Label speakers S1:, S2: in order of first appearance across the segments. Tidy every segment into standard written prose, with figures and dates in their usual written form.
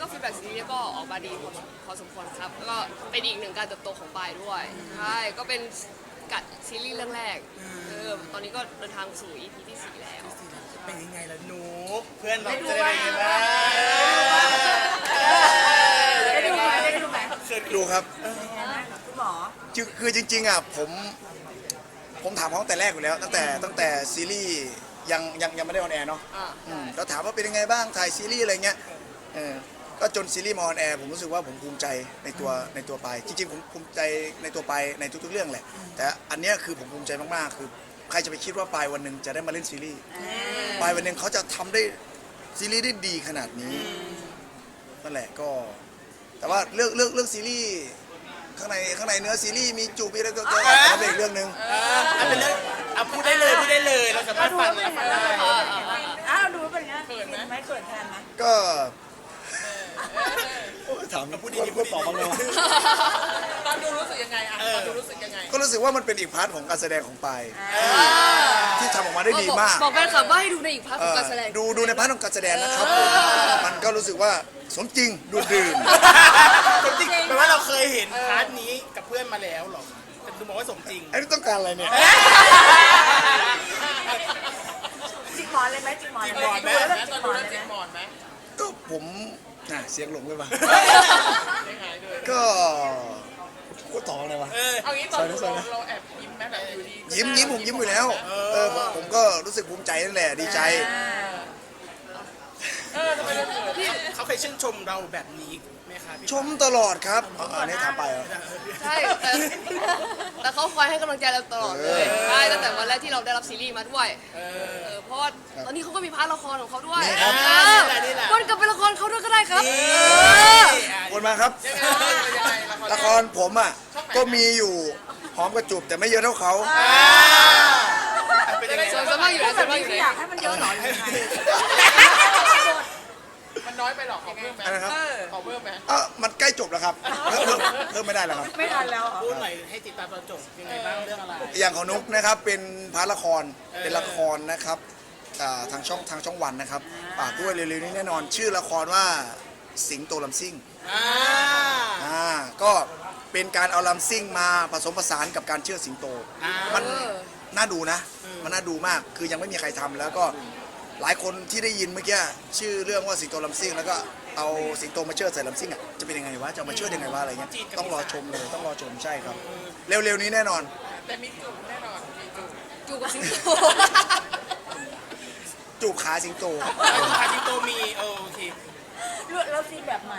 S1: ก็ฟีดแบ็กซีรีส์ก็ออกมาดีพอสมควรครับแล้วก็เป็นอีกหนึ่งการเติบโตของปายด้วยใช่ก็เป็นกัดซีรีส์เรื่องแรกตอนนี้ก็เดินทางสู่ EP ที่ 4 แล้ว
S2: เป็นยังไงล่ะหนูเพื่อนเราจะได้ยังไงบ้าง
S3: เคยดูครับ
S4: คุณหมอ
S3: คือจริงๆอ่ะผมถามเขาตั้งแต่แรกอยู่แล้วตั้งแต่ซีรีส์ยังไม่ได้ออนแอร์เนาะเราถามว่าเป็นยังไงบ้างถ่ายซีรีส์อะไรเงี้ยก็จนซีรีส์มาออนแอร์ผมรู้สึกว่าผมภูมิใจในตัวไปจริงๆผมภูมิใจในตัวไปในทุกๆเรื่องแหละแต่อันเนี้ยคือผมภูมิใจมากๆคือใครจะไปคิดว่าปลายวันหนึ่งจะได้มาเล่นซีรีส์ปลายวันหนึ่งเขาจะทำได้ซีรีส์ได้ดีขนาดนี้นั่นแหละก็แต่ว่าเรื่องซีรีส์ข้างในเนื้อซีรีส์มีจูบมีอะไรก็เป็นอีกเรื่องนึง
S2: เป็นเรื่องพูดได้เลยเราสามารถฟังได้
S4: อ้าวดูเป็นไงเขินไหมเขินแทนไหม
S3: ก็ถามพูดดีๆพูดตอบบ้างเลย
S2: ตอนดูรู้สึกยังไงตอนดูรู้สึกยังไง
S3: ก็รู้สึกว่ามันเป็นอีกพาร์ทของการแสดงของปายที่ทำออกมาได้ดีมาก
S1: บอกแฟนคลับว่าให้ดูในอีกพาร์ทของการแสดง
S3: ดูในพาร์ทของการแสดงนะครับมันก็รู้สึกว่าสมจริงดูดื่ม
S2: สมจริงแปลว่าเราเคยเห็นพาร์ทนี้กับเพื่อนมาแล้วหรอแต่ดูบอกว่าสมจริง
S3: ไอ้นี่ต้องการอะไรเนี่ย
S4: จิกหมอนเลยไหมจิกหมอนไหม
S2: ตอนดูแล้วจิกหมอนไหม
S3: ก็ผมเสียงหลงเลยป่ะก็ต่ออะไรวะ
S2: เอางี้ตอนเราแอบยิ้มไหมแบบอยู่ดี
S3: ยิ้มผมยิ้มอยู่แล้วผมก็รู้สึกภูมิใจนั่นแหละดีใจ
S2: ทำไมเขาเคยชื่นชมเราแบบนี้ไหมคะ
S3: ชมตลอดครับอันนี้ถามไปเหรอ
S1: ใช่แต่เขาคอยให้กำลังใจเราตลอดเลยใช่ตั้งแต่วันแรกที่เราได้รับซีรีส์มาด้วยเพราะว่าตอนนี้เขาก็มีพาร์ทละครของเขาด้วยวนกลับไปละครเขาด้วยก็ได้ครับ
S3: วนมาครับละครผมอ่ะก็มีอยู่หอมกระจุบแต่ไม่เยอะเท่าเขา
S1: ส่วนสมากอยู่ไหนส่วนมากอยู่ไหน
S4: อยากให้มันเยอะหน่อยยังไง
S2: มันน้อยไปหรอขอเพิ่มไหมขอเพิ่มไหม
S3: มันใกล้จบแล้วครับเพิ่มไม่ได้แล้วครับ
S4: ไม่ทันแล้ว
S2: พูดหน่อยให้ติดตามตอนจบยังไงบ้างเรื่องอะไร
S3: อย่างของนุ๊กนะครับเป็นพาร์ทละครเป็นละครนะครับทางช่องวันนะครับด้วยเร็วๆนี้แน่นอนชื่อละครว่าสิงโตลำซิ่งก็เป็นการเอาลำซิ่งมาผสมผสานกับการเชื่อสิงโตมันน่าดูนะมันน่าดูมากคือยังไม่มีใครทำแล้วก็หลายคนที่ได้ยินเมื่อกี้ชื่อเรื่องว่าสิงโตลำซิ่งแล้วก็เอาสิงโตมาเชื่อใส่ลำซิ่งจะเป็นยังไงวะจะมาเชื่อยังไงวะอะไรเงี้ยต้องรอชมเลยต้องรอชมใช่ครับเร็วๆนี้แน่นอน
S2: แต่มีจูบแน่นอนมี
S1: จูบกับสิงโต
S3: จูบขาสิงโต
S2: ขาสิงโตมีโอเค
S4: แล้วซีแบบใหม่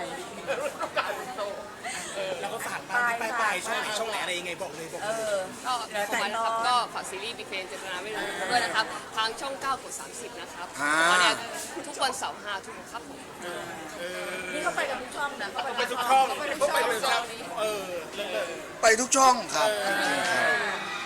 S2: แล้วก็ฝากไปช่องไหนอะไรยังไงบอกเลย
S1: ก็ของมันนะครับก็ฝากซีรีส์ Big Fan เจตนาไม่รู้ด้วยนะครับทางช่อง 9 กด 30นะครับตอนนี้ทุกวันเสาร์ 5 ทุ่มครับผม
S4: นี่เขาไปกับทุกช่องนะเขา
S2: ไปทุกช่อง
S3: ไปทุกช่องครับ